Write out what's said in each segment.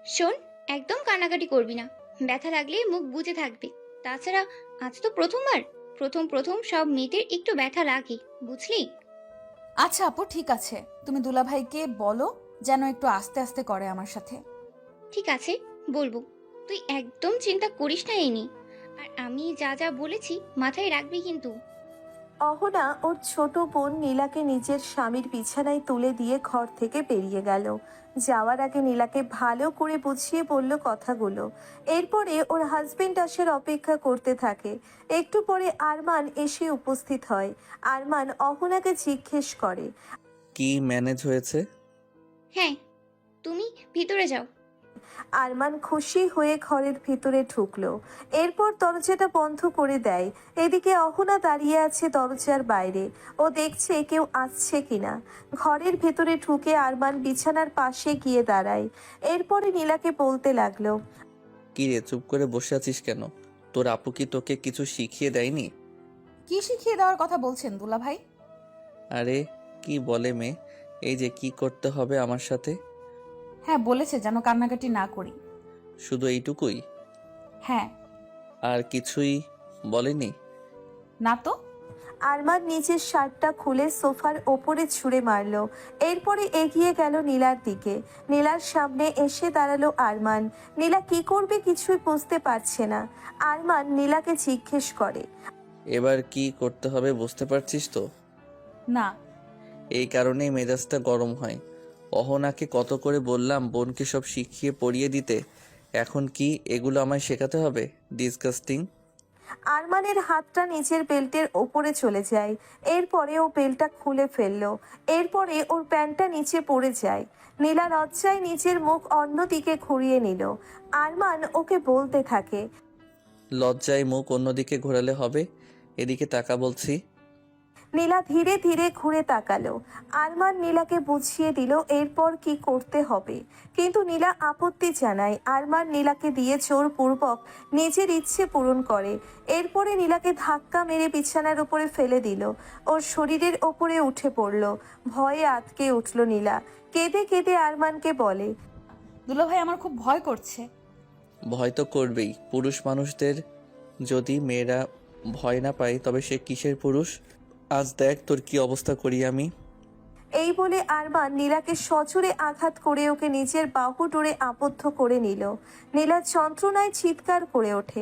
শোন, একদম কান্নাকাটি করবি না। ব্যথা লাগলে মুখ বুজে থাকবে। তাছাড়া আজ তো প্রথমবার। প্রথম প্রথম সব মেয়েদের একটু ব্যথা লাগে, বুঝলি? আচ্ছা আপু, ঠিক আছে। তুমি দুলাভাইকে বলো যেন একটু আস্তে আস্তে করে আমার সাথে। ঠিক আছে, বলবো। তুই একদম চিন্তা করিস না এই নিয়ে। আর আমি যা যা বলেছি মাথায় রাখবি কিন্তু। অহনা ওর ছোট বোন নীলাকে নিজের স্বামীর বিছানায় তুলে দিয়ে ঘর থেকে বেরিয়ে গেল। যাওয়ার আগে নীলাকে ভালো করে বুঝিয়ে বলল কথাগুলো। এরপরে ওর হাজবেন্ড আসার অপেক্ষা করতে থাকে। একটু পরে আরমান এসে উপস্থিত হয়। আরমান অহনাকে জিজ্ঞেস করে। কি ম্যানেজ হয়েছে? হ্যাঁ, তুমি ভিতরে যাও। আরমান খুশি হয়ে ঘরের ভিতরে ঢুকলো। এরপর দরজাটা বন্ধ করে দেয়। এদিকে অহনা দাঁড়িয়ে আছে দরজার বাইরে। ও দেখছে কেউ আসছে কিনা। ঘরের ভেতরে ঢুকে আরমান বিছানার পাশে গিয়ে দাঁড়ায়। এরপরে নীলাকে বলতে লাগলো। কি রে, চুপ করে বসে আছিস কেন? তোর আপু কি তোকে কিছু শিখিয়ে দেয়নি? কি শিখিয়ে দেওয়ার কথা বলছেন দুলাভাই? আরে কি বলে মেয়ে, এই যে কি করতে হবে আমার সাথে। হ্যাঁ, বলেছে যেন কান্নাকাটি না করি। শুধু এইটুকুই? হ্যাঁ। আর কিছুই বলেনি? না তো। আরমান নিচের শার্টটা খুলে সোফার ওপরে ছুঁড়ে মারলো। এরপরে এগিয়ে গেল নীলার দিকে। নীলার সামনে এসে দাঁড়ালো আরমান। নীলা কি করবে কিছুই বুঝতে পারছে না। আরমান নীলাকে জিজ্ঞেস করে। এবার কি করতে হবে বুঝতে পারছিস তো? না। এই কারণেই মেজাজটা গরম হয়। অহনাকে কত করে বললাম বোনকে সব শিখিয়ে পড়িয়ে দিতে, এখন কি এগুলো আমায় শেখাতে হবে? ডিসগাস্টিং। আরমানের হাতটা নিচের বেল্টের ওপরে চলে যায়। এরপরে ও বেল্টটা খুলে ফেললো। এরপরে ওর প্যান্টটা নিচে পড়ে যায়। নীলা লজ্জায় নিজের মুখ অন্যদিকে ঘুরিয়ে নিল। আরমান ওকে বলতে থাকে। লজ্জায় মুখ অন্যদিকে ঘোরালে হবে? এদিকে তাকা বলছি। নীলা ধীরে ধীরে ঘুরে তাকালো। আরমান নীলাকে বুঝিয়ে দিল এরপর কি করতে হবে। কিন্তু নীলা আপত্তি জানায়। আরমান নীলাকে দিয়ে জোরপূর্বক নিজের ইচ্ছে পূরণ করে। এরপরে নীলাকে ধাক্কা মেরে বিছানার উপরে ফেলে দিল। ওর শরীরের ওপরে উঠে পড়ল। ভয়ে আটকে উঠল নীলা। কেঁদে কেঁদে আরমানকে বলে। দুলাভাই, আমার খুব ভয় করছে। ভয় তো করবেই, পুরুষ মানুষদের যদি মেয়েরা ভয় না পায় তবে সে কিসের পুরুষ? আজ দেখ তোর কি অবস্থা করি আমি। এই বলে আরমান নীলাকে সজোরে আঘাত করে ওকে নিজের বাহু ডোরে আবদ্ধ করে নিল। নীলা যন্ত্রণায় চিৎকার করে ওঠে।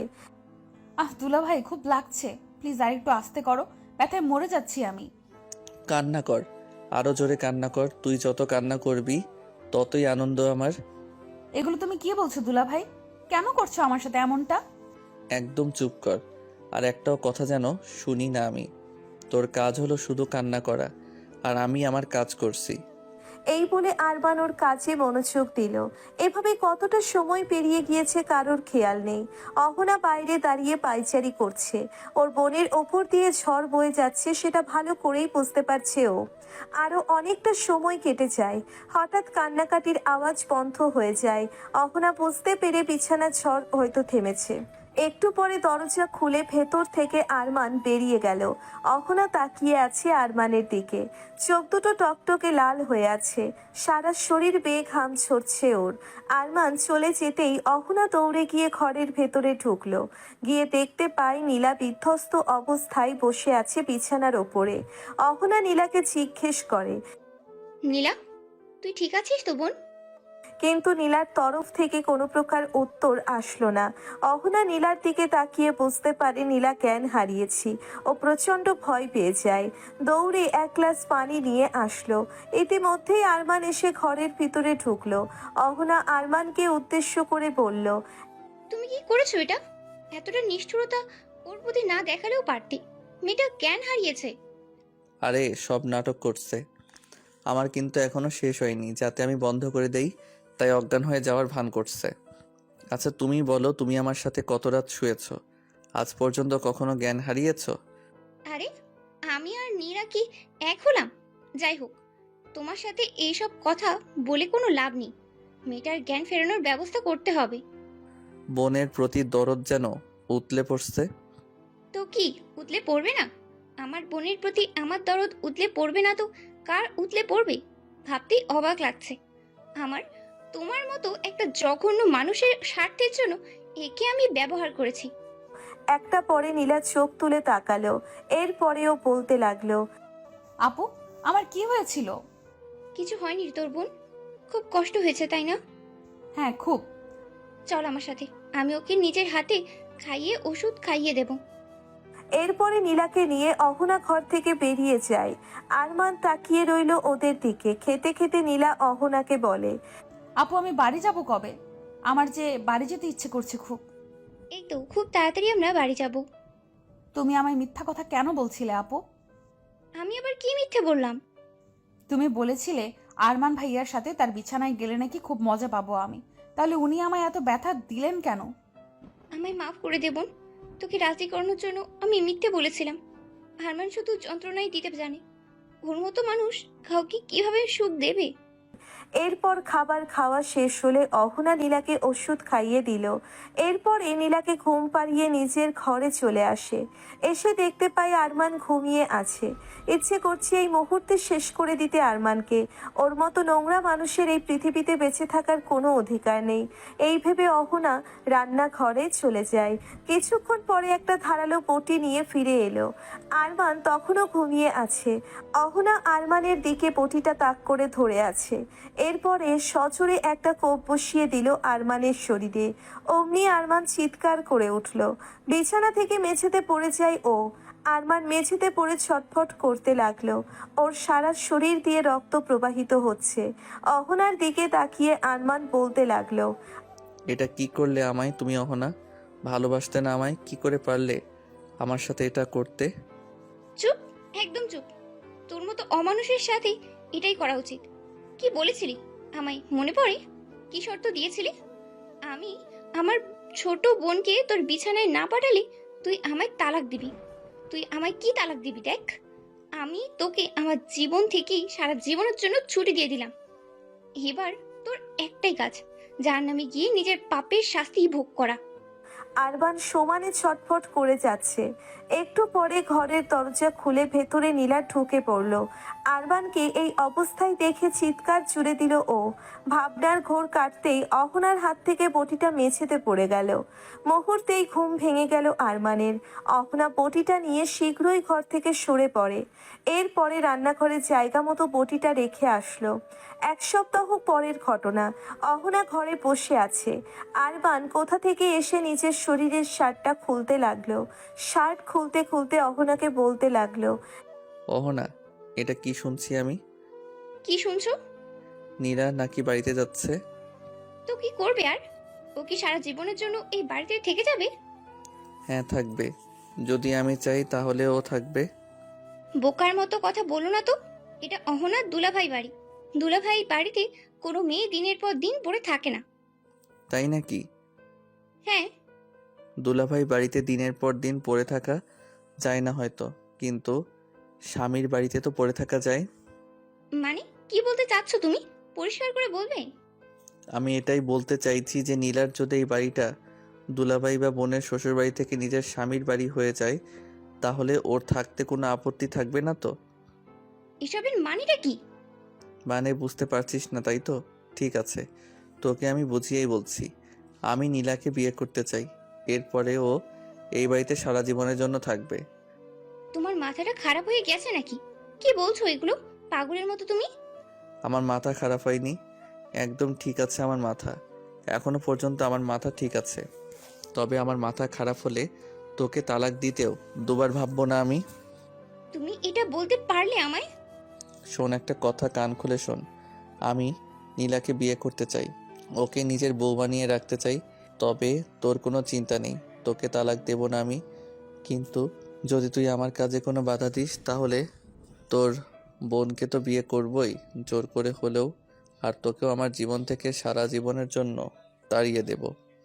দুলাভাই, খুব লাগছে। প্লিজ আর একটু আস্তে করো। ব্যথায় মরে যাচ্ছি আমি। কান্না কর, আরো জোরে কান্না কর। তুই যত কান্না করবি ততই আনন্দ আমার। এগুলো তুমি কি বলছো দুলাভাই? কেন করছো আমার সাথে এমনটা? একদম চুপ কর, আর একটাও কথা যেন শুনি না আমি। তোর কাজ হলো শুধু কান্না করা, আর আমি আমার কাজ করছি। এই বলে আরমান ওর কাজে মনোযোগ দিল। এভাবে কতটা সময় পেরিয়ে গিয়েছে কারোর খেয়াল নেই। অহনা বাইরে দাঁড়িয়ে পায়চারি করছে। ওর বোনের ওপর দিয়ে ঝড় বয়ে যাচ্ছে সেটা ভালো করেই বুঝতে পারছে ও। আরো অনেকটা সময় কেটে যায়। হঠাৎ কান্নাকাটির আওয়াজ বন্ধ হয়ে যায়। অহনা বুঝতে পেরে বিছানার ঝড় হয়তো থেমেছে। একটু পরে দরজা খুলে ভেতর থেকে আরমান বেরিয়ে গেল। অহনা তাকিয়ে আছে আরমানের দিকে। চোখ দুটো টকটকে লাল হয়ে আছে। সারা শরীর বেয়ে ঘাম ঝরছে ওর। আরমান চলে যেতেই অহনা দৌড়ে গিয়ে ঘরের ভেতরে ঢুকলো। গিয়ে দেখতে পায় নীলা বিধ্বস্ত অবস্থায় বসে আছে বিছানার ওপরে। অহনা নীলাকে জিজ্ঞেস করে। নীলা, তুই ঠিক আছিস তো বোন? কিন্তু নীলার তরফ থেকে কোনো প্রকার উত্তর আসলো না। অহনা নীলার দিকে তাকিয়ে বুঝতে পারে নীলা জ্ঞান হারিয়েছি। ও প্রচন্ড ভয় পেয়ে যায়। দৌড়ে এক গ্লাস পানি নিয়ে আসলো। ইতিমধ্যেই আরমান এসে ঘরের ভিতরে ঢুকলো। অহনা আরমানকে উদ্দেশ্য করে বলল। তুমি কি করেছো এটা? এতটা নিষ্ঠুরতা ওর প্রতি না দেখালেও পারতি। মেয়েটা জ্ঞান হারিয়েছে। আরে সব নাটক করছে। আমার কিন্তু এখনো শেষ হয়নি, যাতে আমি বন্ধ করে দেই তাই অজ্ঞান হয়ে যাওয়ার ভান করছে। আচ্ছা তুমি বলো, তুমি আমার সাথে কত রাত শুয়েছো? আজ পর্যন্ত কখনো জ্ঞান হারিয়েছো? আরে, আমি আর নীরা কি এক হলাম? যাই হোক, তোমার সাথে এইসব কথা বলে কোনো লাভ নেই। মেয়েটার জ্ঞান ফেরানোর ব্যবস্থা করতে হবে। বোনের প্রতি দরদ যেন উতলে পড়ছে। তো কি উতলে পড়বে না? আমার বোনের প্রতি আমার দরদ উতলে পড়বে না তো কার উতলে পড়বে? ভাবতেই অবাক লাগছে। আমার তোমার মতো একটা জঘন্য মানুষের স্বার্থের জন্য একে আমি ব্যবহার করেছি। একটা পরে নীলা চোখ তুলে তাকালো, এরপরেও বলতে লাগলো। আপু, আমার কি হয়েছিল? কিছু হয়নি রে তোর বোন, খুব কষ্ট হয়েছে তাই না? হ্যাঁ, খুব। চল আমার সাথে, আমি ওকে নিজের হাতে খাইয়ে ওষুধ খাইয়ে দেব। এরপরে নীলাকে নিয়ে অহনা ঘর থেকে বেরিয়ে যায়। আরমান তাকিয়ে রইল ওদের দিকে। খেতে খেতে নীলা অহনাকে বলে। আপু, আমি বাড়ি যাব কবে? আমার যে বাড়ি যেতে ইচ্ছে করছে খুব। এই তো খুব তাড়াতাড়ি আমরা বাড়ি যাব। তুমি আমায় মিথ্যা কথা কেন বলছিলে আপু? আমি আবার কি মিথ্যে বললাম? তুমি বলেছিলে আরমান ভাইয়ার সাথে তার বিছানায় গেলে নাকি খুব মজা পাবো আমি। তাহলে উনি আমায় এত ব্যথা দিলেন কেন? আমায় মাফ করে দে বোন, তোকে রাজি করানোর জন্য আমি মিথ্যে বলেছিলাম। হারমান শুধু যন্ত্রণাই দিতে জানে, ওর মতো মানুষ কাউকে কিভাবে সুখ দেবে? এরপর খাবার খাওয়া শেষ হলে অহনা নীলাকে ওষুধ খাইয়ে দিল। এরপরে নীলাকে ঘুম পাড়িয়ে নিজের ঘরে চলে আসে। এসে দেখতে পায় আরমান ঘুমিয়ে আছে। ইচ্ছে করছে এই মুহূর্তে শেষ করে দিতে আরমানকে। ওর মতো নোংরা মানুষের এই পৃথিবীতে বেঁচে থাকার কোনো অধিকার নেই। এই ভেবে অহনা রান্নাঘরে চলে যায়। কিছুক্ষণ পরে একটা ধারালো বটি নিয়ে ফিরে এলো। আরমান তখনও ঘুমিয়ে আছে। অহনা আরমানের দিকে বটিটা তাক করে ধরে আছে। এরপরে সজোরে একটা কোপ বসিয়ে দিল আরমানের শরীরে। অমনি আরমান চিৎকার করে উঠল। বিছানা থেকে মেঝেতে পড়ে যায় ও। আরমান মেঝেতে পড়ে ছটফট করতে লাগলো। ওর সারা শরীর দিয়ে রক্ত প্রবাহিত হচ্ছে। অহনার দিকে তাকিয়ে আরমান বলতে লাগলো। এটা কি করলে আমায় তুমি অহনা? ভালোবাসতে না আমায়? কি করে পারলে আমার সাথে এটা করতে? চুপ, একদম চুপ। তোর মতো অমানুষের সাথে এটাই করা উচিত। কি বলেছিলি আমায় মনে পড়ে? কি শর্ত দিয়েছিলি? আমি আমার ছোট বোনকে তোর বিছানায় না পাঠালে তুই আমায় তালাক দিবি। তুই আমায় কি তালাক দিবি দেখ। আমি তোকে আমার জীবন থেকেই সারা জীবনের জন্য ছুটি দিয়ে দিলাম। এবার তোর একটাই কাজ, যার নামে গিয়ে নিজের পাপের শাস্তি ভোগ করা। আরবান সমানে ছটফট করে যাচ্ছে। একটু পরে ঘরের দরজা খুলে ভেতরে নীলা ঢুকে পড়ল। আরবানকে এই অবস্থায় দেখে চিৎকার জুড়ে দিল ও। ভাবনার ঘোর কাটতেই অহনার হাত থেকে বটিটা মেঝেতে পড়ে গেল। মুহূর্তেই ঘুম ভেঙে গেল আরমানের। অহনা বটিটা নিয়ে শীঘ্রই ঘর থেকে সরে পড়ে। এরপরে রান্নাঘরে জায়গা মতো বটিটা রেখে আসলো। এক সপ্তাহ পরের ঘটনা। অহনা ঘরে বসে আছে। আরবান কোথা থেকে এসে নিজের শরীরের শার্টটা খুলতে লাগলো। শার্ট খুলতে খুলতে অহনাকে বলতে লাগলো। অহনা, এটা কি শুনছি আমি? কি শুনছো? নীরা নাকি বাড়িতে যাচ্ছে? তো কি করবে আর? ও কি সারা জীবনের জন্য এই বাড়িতে থেকে যাবে? হ্যাঁ, থাকবে। যদি আমি চাই তাহলে ও থাকবে। বোকার মতো কথা বলো না তো। এটা অহনার দুলাভাই বাড়ি। দুলাভাই বাড়িতে কোনো মেয়ে দিনের পর দিন পড়ে থাকে না। তাই নাকি? হ্যাঁ। দুলাভাই বাড়িতে দিনের পর দিন পড়ে থাকা যায় না হয়তো, কিন্তু স্বামীর বাড়িতে তো পড়ে থাকা যায়। মানে কি বলতে চাচ্ছ তুমি? পরিষ্কার করে বলবে? আমি এটাই বলতে চাইছি যে নীলার যদি এই বাড়িটা দুলাভাই বা বোনের শ্বশুর বাড়ি থেকে নিজের স্বামীর বাড়ি হয়ে যায়, তাহলে ওর থাকতে কোনো আপত্তি থাকবে না তো? এসবের মানেটা কি? মানে বুঝতে পারছিস না তাই তো? ঠিক আছে, তোকে আমি বুঝিয়েই বলছি। আমি নীলাকে বিয়ে করতে চাই। এরপরে ও এই বাড়িতে সারা জীবনের জন্য থাকবে। তোমার মাথাটা খারাপ হয়ে গেছে নাকি? কি বলছো এগুলো পাগলের মতো তুমি? আমার মাথা খারাপ হয়নি, একদম ঠিক আছে আমার মাথা। এখনো পর্যন্ত আমার মাথা ঠিক আছে। তবে আমার মাথা খারাপ হলে তোকে তালাক দিতেও দুবার ভাববো না আমি। তুমি এটা বলতে পারলে আমায়? শোন, একটা কথা কান খুলে শোন। আমি নীলাকে বিয়ে করতে চাই, ওকে নিজের বউ বানিয়ে রাখতে চাই। তবে তোর কোনো চিন্তা নেই, তোকে তালাক দেব না আমি। কিন্তু যদি তুই আমার কাজে কোনো বাধা দিস, তাহলে তোর বোনকে তো বিয়ে করবই জোর করে হলেও, আর তোকেও আমার জীবন থেকে সারা জীবনের জন্য তাড়িয়ে দেব।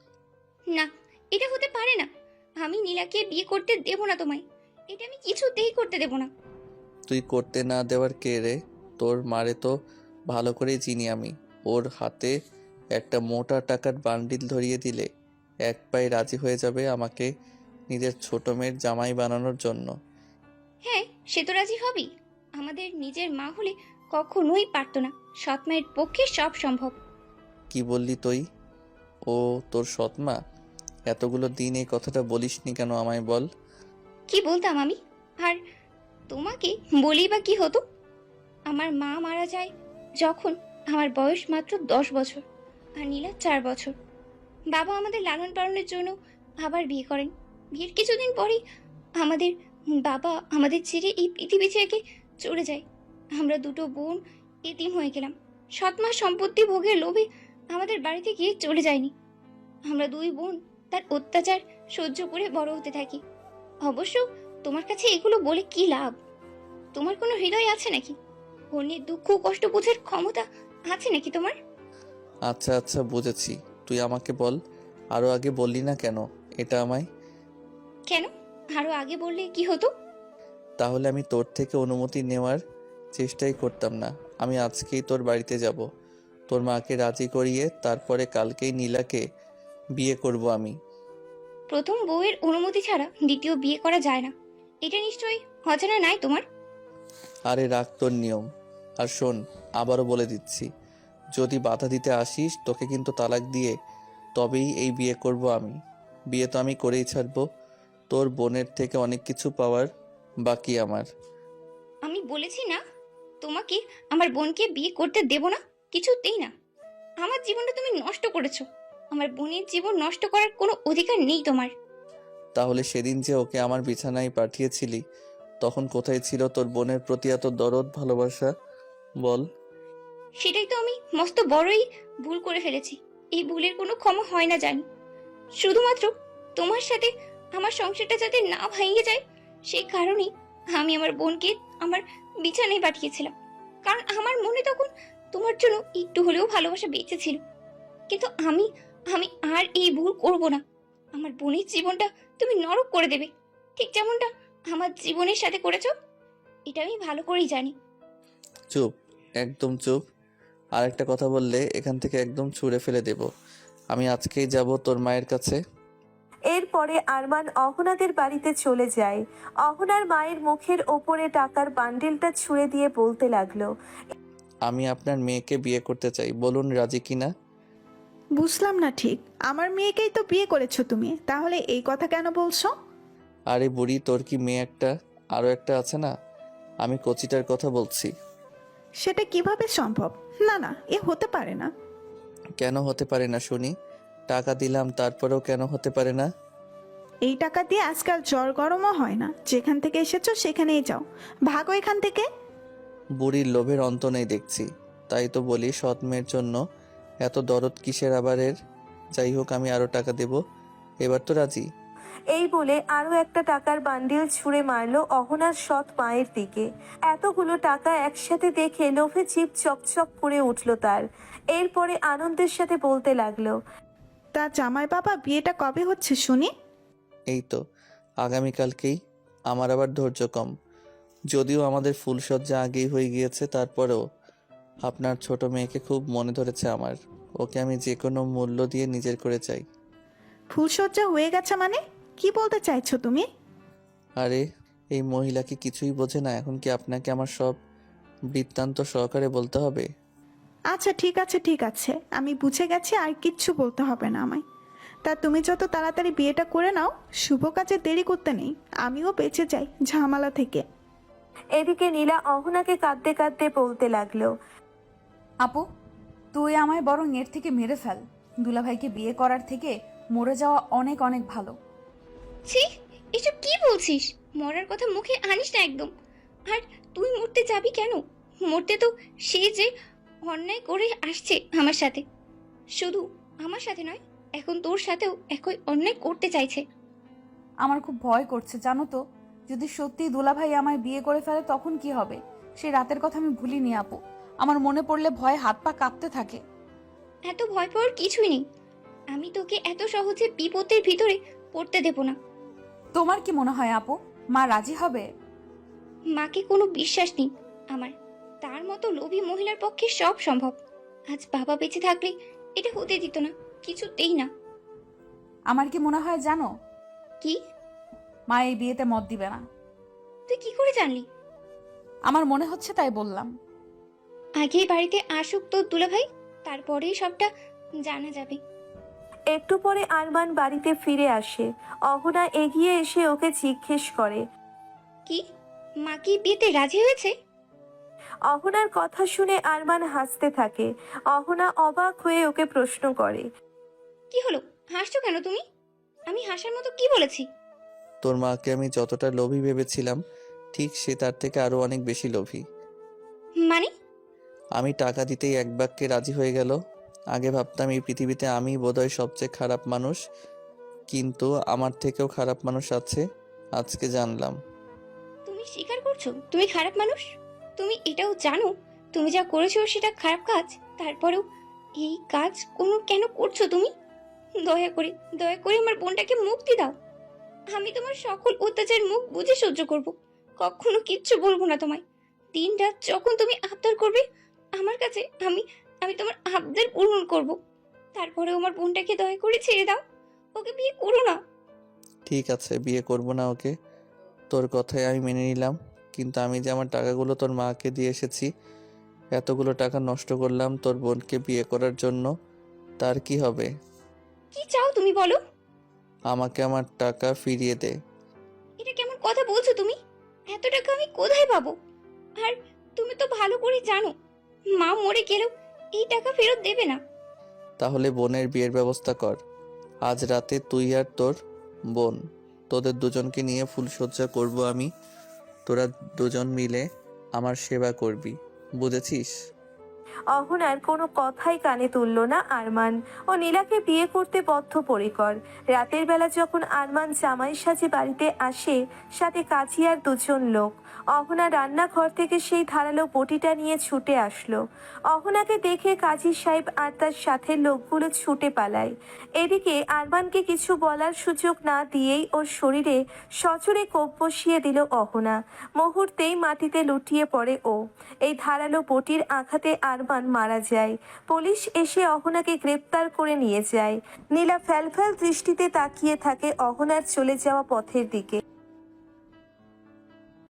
না, এটা হতে পারে না। আমি নীলাকে বিয়ে করতে দেব না তোমায়। এটা আমি কিছুতেই করতে দেব না। তুই করতে না দেওয়ার কে রে? তোর মারে তো ভালো করেই চিনি আমি। ওর হাতে একটা মোটা টাকার বান্ডিল ধরিয়ে দিলে এক পায়ে রাজি হয়ে যাবে আমাকে নিজের ছোট মেয়ের জামাই বানানোর জন্য। হ্যাঁ, সে তো রাজি হবেই। আমাদের নিজের মা হলে কখনোই পারতো না। সৎ মায়ের পক্ষে সব সম্ভব। কি বললি তুই? ও তোর সৎমা? এতগুলো দিন এই কথাটা বলিসনি কেন আমায় বল। কি বলতাম আমি? আর তোমাকে বলি বা কি হতো? আমার মা মারা যায় যখন আমার বয়স মাত্র 10 বছর, আর নীলা 4 বছর। বাবা আমাদের লালন পালনের জন্য আবার বিয়ে করেন। বিয়ের কিছুদিন পরেই আমাদের বাবা আমাদের ছেড়ে এই পৃথিবী থেকে চলে যায়। আমরা দুটো বোন এতিম হয়ে গেলাম। সৎমা সম্পত্তি ভোগের লোভে আমাদের বাড়িতে গিয়ে চলে যায়নি। আমরা দুই বোন তার অত্যাচার সহ্য করে বড় হতে থাকি। অবশ্য তোমার কাছে এগুলো বলে কি লাভ? তোমার কোনো হৃদয় আছে নাকি? অন্যের দুঃখ কষ্ট বোঝার ক্ষমতা আছে নাকি তোমার? আচ্ছা আচ্ছা, বুঝেছি। তুই আমাকে বল, আরো আগে বললি না কেন এটা আমায়? কেন? আরো আগে বললে কি হতো? তাহলে আমি তোর থেকে অনুমতি নেওয়ার চেষ্টাই করতাম না। আমি আজকেই তোর বাড়িতে যাব, তোর মাকে রাজি করিয়ে তারপরে কালকেই নীলাকে বিয়ে করব আমি। প্রথম বউয়ের অনুমতি ছাড়া দ্বিতীয় বিয়ে করা যায় না, এটা নিশ্চয়ই অজানা নাই তোমার। আরে রাখ তোর নিয়ম। আর শোন, আবারও বলে দিচ্ছি, যদি বাধা দিতে আসিস তোকে কিন্তু তালাক দিয়ে তবেই এই বিয়ে করব আমি। বিয়ে তো আমি করেই ছাড়বো। তোর বোনের থেকে অনেক কিছু পাওয়ার বাকি আমার। আমি বলেছি না তোমাকে আমার বোনকে বিয়ে করতে দেব না, কিছুতেই না। আমার জীবনটা তুমি নষ্ট করেছো। আমার বোনের জীবন নষ্ট করার কোনো অধিকার নেই তোমার। তাহলে সেদিন যে ওকে আমার বিছানায় পাঠিয়েছিলি, তখন কোথায় ছিল তোর বোনের প্রতি এত দরদ ভালোবাসা বল? সেটাই তো আমি মস্ত বড়ই ভুল করে ফেলেছি। এই ভুলের কোনো ক্ষমা হয় না জানি। শুধুমাত্র তোমার সাথে আমার সংসারটা যাতে না ভেঙে যায় সেই কারণেই আমি আমার বোনকে আমার বিছানায় পাঠিয়েছিলাম। কারণ আমার মনে তখন তোমার জন্য একটু হলেও ভালোবাসা বেঁচে ছিল। কিন্তু আমি আমি আর এই ভুল করব না। আমার বোনের জীবনটা তুমি নরক করে দেবে, ঠিক যেমনটা আমার জীবনের সাথে করেছো। এটা আমি ভালো করেই জানি। চুপ, একদম চুপ। আর একটা কথা বললে এখান থেকে একদম ছুঁড়ে ফেলে দেব। আমি আজকেই যাব তোর মায়ের কাছে। এরপরে আরমান অহনাদের বাড়িতে চলে যায়। অহনার মায়ের মুখের ওপরে টাকার বান্ডিলটা ছুঁড়ে দিয়ে বলতে লাগলো, আমি আপনার মেয়েকে বিয়ে করতে চাই, বলুন রাজি কিনা। বুঝলাম না ঠিক। আমার মেয়েকেই তো বিয়ে করেছো তুমি, তাহলে এই কথা কেন বলছো? আরে বুড়ি, তোর কি মেয়ে একটা আরো একটা আছে না? আমি কচিটার কথা বলছি। সেটা কিভাবে সম্ভব? না না, এ হতে পারে না। কেন হতে পারে না শুনি? টাকা দিলাম তারপরেও কেন হতে পারে না? এই টাকা দিয়ে আজকাল জ্বর গরমও হয় না। যেখান থেকে এসেছো সেখানেই যাও, ভাগো এখান থেকে। বুড়ির লোভের অন্ত নেই দেখছি। তাই তো বলি, সৎ মেয়ের জন্য এত দরদ কিসের আবারের? যাই হোক, আমি আরো টাকা দেব। এবার তো রাজি? এই বলে আরো একটা টাকার বান্ডিল ছুঁড়ে মারলো অহনার সৎ মায়ের দিকে। এতগুলো টাকা একসাথে দেখে লোভে জিভ চকচক করে উঠলো তার। এরপরে আনন্দের সাথে বলতে লাগলো, তা জামাই বাবা, বিয়েটা কবে হচ্ছে শুনি? এই তো আগামীকালকেই। আমার আবার ধৈর্য কম। যদিও আমাদের ফুলসজ্জা আগেই হয়ে গিয়েছে, তারপরেও আপনার ছোট মেয়েকে খুব মনে ধরেছে আমার। ওকে আমি যে কোনো মূল্য দিয়ে নিজের করে চাই। ফুলসজ্জা হয়ে গেছে মানে? কি বলতে চাইছো তুমি? আরে এই মহিলা কি কিছুই বোঝে না? এখন কি আপনাকে আমার সব বৃত্তান্ত সহকারে বলতে হবে? আচ্ছা ঠিক আছে ঠিক আছে, আমি বুঝে গেছি, আর কিচ্ছু বলতে হবে না আমায়। তা তুমি যত তাড়াতাড়ি বিয়েটা করে নাও, শুভ কাজে দেরি করতে নেই। আমিও বেঁচে যাই ঝামেলা থেকে। এদিকে নীলা অহনাকে কাঁদতে কাঁদতে বলতে লাগলো, আপু, তুই আমায় বরং এর থেকে মেরে ফেল। দুলাভাইকে বিয়ে করার থেকে মরে যাওয়া অনেক অনেক ভালো। ছি, এসব কি বলছিস? মরার কথা মুখে আনিস না একদম। আর তুই মরতে যাবি কেন? মরতে তো সে যে অন্যায় করে আসছে আমার সাথে। শুধু আমার সাথে নয়, এখন তোর সাথেও একই অন্যায় করতে চাইছে। আমার খুব ভয় করছে জানো তো। যদি সত্যি দুলাভাই আমায় বিয়ে করে ফেলে তখন কি হবে? সেই রাতের কথা আমি ভুলিনি আপু। আমার মনে পড়লে ভয়ে হাত পা কাঁপতে থাকে। এত ভয় পাওয়ার কিছুই নেই। আমি তোকে এত সহজে বিপদের ভিতরে পড়তে দেব না। তোমার কি মনে হয় আপু, মা রাজি হবে? মাকে কোনো বিশ্বাস নেই আমার। তার মতো লোভী মহিলার পক্ষে সব সম্ভব। আজ বাবা বেঁচে থাকলে এটা হতে দিত না, কিছুতেই না। আমার কি মনে হয় জানো? কি? মা এই বিয়েতে মত দিবে না। তুই কি করে জানলি? আমার মনে হচ্ছে তাই বললাম। আগেই বাড়িতে আসুক তোর দুলাভাই, তারপরেই সবটা জানা যাবে। একটু পরে আরমান বাড়িতে ফিরে আসে। অহনা এগিয়ে এসে ওকে জিজ্ঞেস করে। কি, মা কি বিয়েতে রাজি হয়েছে? অহনার কথা শুনে আরমান হাসতে থাকে। অহনা অবাক হয়ে ওকে প্রশ্ন করে। কি হলো, হাসছো কেন তুমি? আমি হাসার মতো কি বলেছি? তোর মাকে আমি যতটা লোভী ভেবেছিলাম, ঠিক সে তার থেকে আরো অনেক বেশি লোভী। মানে? আমি টাকা দিতেই এক বাক্যে রাজি হয়ে গেল। আগে ভাবতাম এই পৃথিবীতে আমি বোধহয় সবচেয়ে খারাপ মানুষ, কিন্তু আমার থেকেও খারাপ মানুষ আছে, আজকে জানলাম। তুমি স্বীকার করছো তুমি খারাপ মানুষ? তুমি এটাও জানো তুমি যা করেছো সেটা খারাপ কাজ? তারপরেও এই কাজ কেন করছো তুমি? দয়া করে দয়া করে আমার বোনটাকে মুক্তি দাও। আমি তোমার সকল অত্যাচার মুখ বুঝে সহ্য করব, কখনো কিচ্ছু বলবো না তোমায়। দিন রাত যখন তুমি আবদার করবে আমার কাছে, আমি আমি তোমার আবদার পূরণ করব। তারপরেও আমার বোনটাকে দয়া করে ছেড়ে দাও, ওকে বিয়ে করো না। ঠিক আছে, বিয়ে করব না ওকে, তোর কথাই আমি মেনে নিলাম। কিন্তু আমি যে আমার টাকাগুলো তোর মাকে দিয়ে এসেছি, এতগুলো টাকা নষ্ট করলাম তোর বোনকে বিয়ে করার জন্য, তার কি হবে? কি চাও তুমি বলো? আমাকে আমার টাকা ফিরিয়ে দে। এটা কেমন কথা বলছো তুমি? এত টাকা আমি কোথায় পাবো? আর তুমি তো ভালো করে জানো মা মরে গেলেও এই টাকা ফেরত দেবে না। তাহলে বোনের বিয়ের ব্যবস্থা কর। আজ রাতে তুই আর তোর বোন, তোদের দুজনকে নিয়ে ফুলসজ্জা করব আমি। তোরা দুজন মিলে আমার সেবা করবি, বুঝেছিস? অহনার কোনো কথাই কানে তুলল না আরমান। ও নীলাকে বিয়ে করতে বদ্ধপরিকর। রাতের বেলা যখন আরমান জামাই সাজে বাড়িতে আসে, সাথে কাজী আর দুজন লোক, অহনা রান্নাঘর থেকে সেই ধারালো বটিটা নিয়ে ছুটে আসলো। অহনাকে দেখে কাজী সাহেব আর তার সাথে লোকগুলো ছুটে পালায়। এদিকে আরমানকে কিছু বলার সুযোগ না দিয়েই ওর শরীরে সজোরে কোপ বসিয়ে দিল অহনা। মুহূর্তেই মাটিতে লুটিয়ে পড়ে ও। এই ধারালো বটির আঘাতে আরমান মারা যায়। পুলিশ এসে অহনাকে গ্রেপ্তার করে নিয়ে যায়। নীলা ফ্যালফ্যাল দৃষ্টিতে তাকিয়ে থাকে অহনার চলে যাওয়া পথের দিকে।